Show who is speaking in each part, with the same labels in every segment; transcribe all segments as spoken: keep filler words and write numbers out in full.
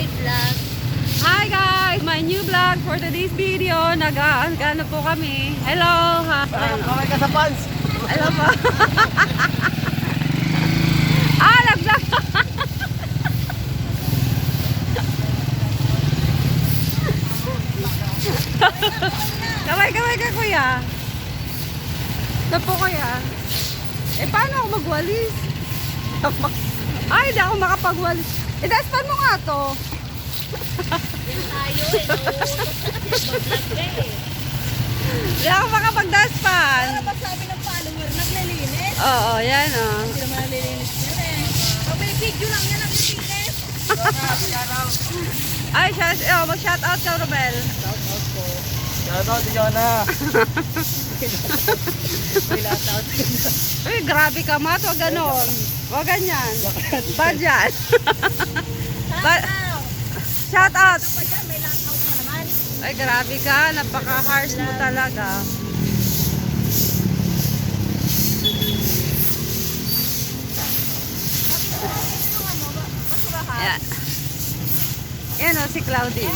Speaker 1: vlog.
Speaker 2: Hi guys! My new vlog for today's video. Nag-ano po kami. Hello! Ha?
Speaker 3: Kamay ka sa pants.
Speaker 2: Hello po. ah, nag-vlog! Kamay, kamay ka kuya. Ito po kuya. Eh paano ako magwalis? Ay, hindi ako makapagwalis. Eh, daspan mo nga to.
Speaker 1: Yan tayo eh. Mag-vlog ka eh.
Speaker 2: Hindi ako makapagdaspan.
Speaker 1: Ano ba sabi ng follower? Naglilinis?
Speaker 2: Oo, yan o.
Speaker 1: Hindi naman naglilinis yan eh. Pag may video lang yan, naglilinis.
Speaker 2: Ay, shout, oh, mag-shout out ka, Romel.
Speaker 3: Shout out si Jonah.
Speaker 2: Uy, grabe ka, Mat. Huwag ganon. Huwag ganyan. Bad yan. Ba- shout out.
Speaker 1: Ano pa dyan? May lockout na naman.
Speaker 2: Ay, grabe ka. Napaka-harsh mo talaga.
Speaker 1: Yung ano, basurahan.
Speaker 2: Yan. Yan o, si Claudine.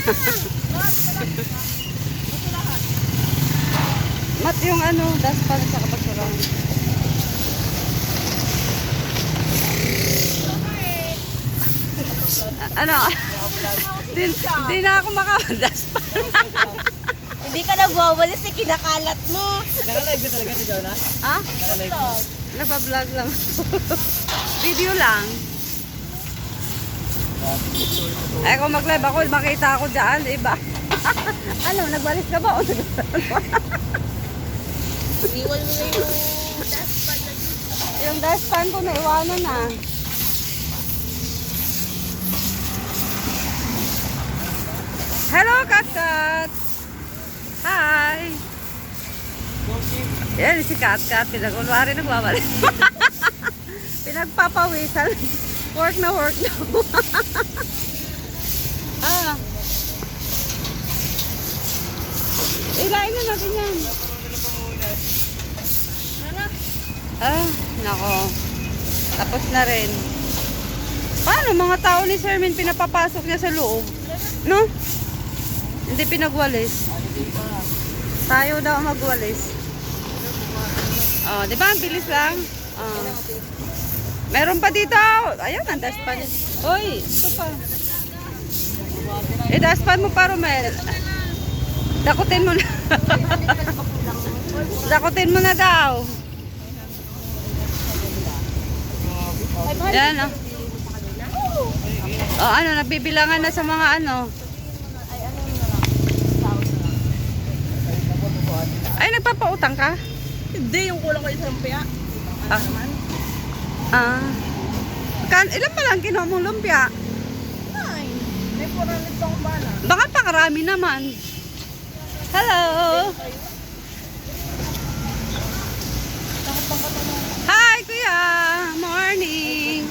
Speaker 1: Basurahan.
Speaker 2: Mat yung ano, daspan sa kapagsurang. Ano? Din, di na ako makadaspan.
Speaker 1: Hindi ka nagwawalis eh, kinakalat mo.
Speaker 3: Nakalive ka talaga si Jonah?
Speaker 2: Ha?
Speaker 3: Nakalive.
Speaker 2: Nagpa-vlog lang. Video lang. Ay, kung mag-live ako, makita ako dyan, iba. Ano, nagwalis ka ba? O
Speaker 1: Iwan mo na yung dustpan na dito.
Speaker 2: yung dustpan ko, naiwanan na. Hello, Katkat! Hi! Yan, si Katkat. Pinag-unwari nagwawalis. Pinagpapawisan. Work na work na. ah. Ilain na natin yan.
Speaker 1: Ano?
Speaker 2: Ah, nako. Tapos na rin. Paano mga tao ni Sir Min pinapapasok niya sa loob? No? Hindi pinagwalis. Tayo daw magwalis. Oh, di ba? Ang bilis lang. Oh. Meron pa dito. Ayan, ang daspan. Uy, ito pa. Eh, daspan mo pa, Romel. Dakutin mo na. Dakutin mo na daw. Yan, oh. Oh, ano, nabibilangan na sa mga ano. Ay, nagpapautang ka?
Speaker 1: Hindi, yung kulang ko yung lumpia.
Speaker 2: Ah. Ah. Kan, ilan pa lang kinuha mong lumpia?
Speaker 1: Nine. May four hundred pa akong bala.
Speaker 2: Baka pakarami naman. Hello! Hi, kuya! Morning!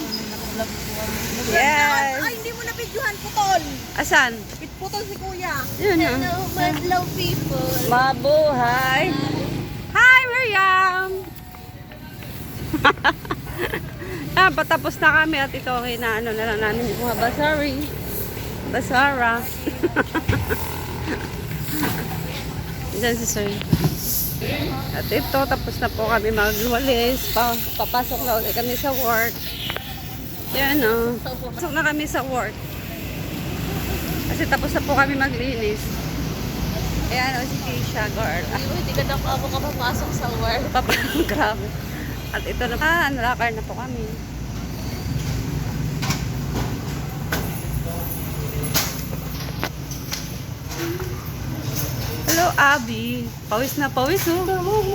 Speaker 2: Yes!
Speaker 1: Ay, hindi mo na videohan, putol.
Speaker 2: Asan?
Speaker 1: Putol si kuya.
Speaker 2: Yun na.
Speaker 1: Hello, madlaw people.
Speaker 2: Mabuhay! Hi, Miriam! ah, patapos na kami at ito ang inaano na lang namin yung mga basari. Basara. Diyan si Sir. At ito, tapos na po kami magwalis. Pa, papasok na ulit kami sa work. Yan o. Pasok na kami sa work. Kasi tapos na po kami maglinis. Ayan o si Keisha, girl.
Speaker 1: Hindi ka na ako kapapasok sa work.
Speaker 2: Papa, grabe. At ito na, ah, nalakar na po kami. Hello, Abby. Pawis na pawis, oh.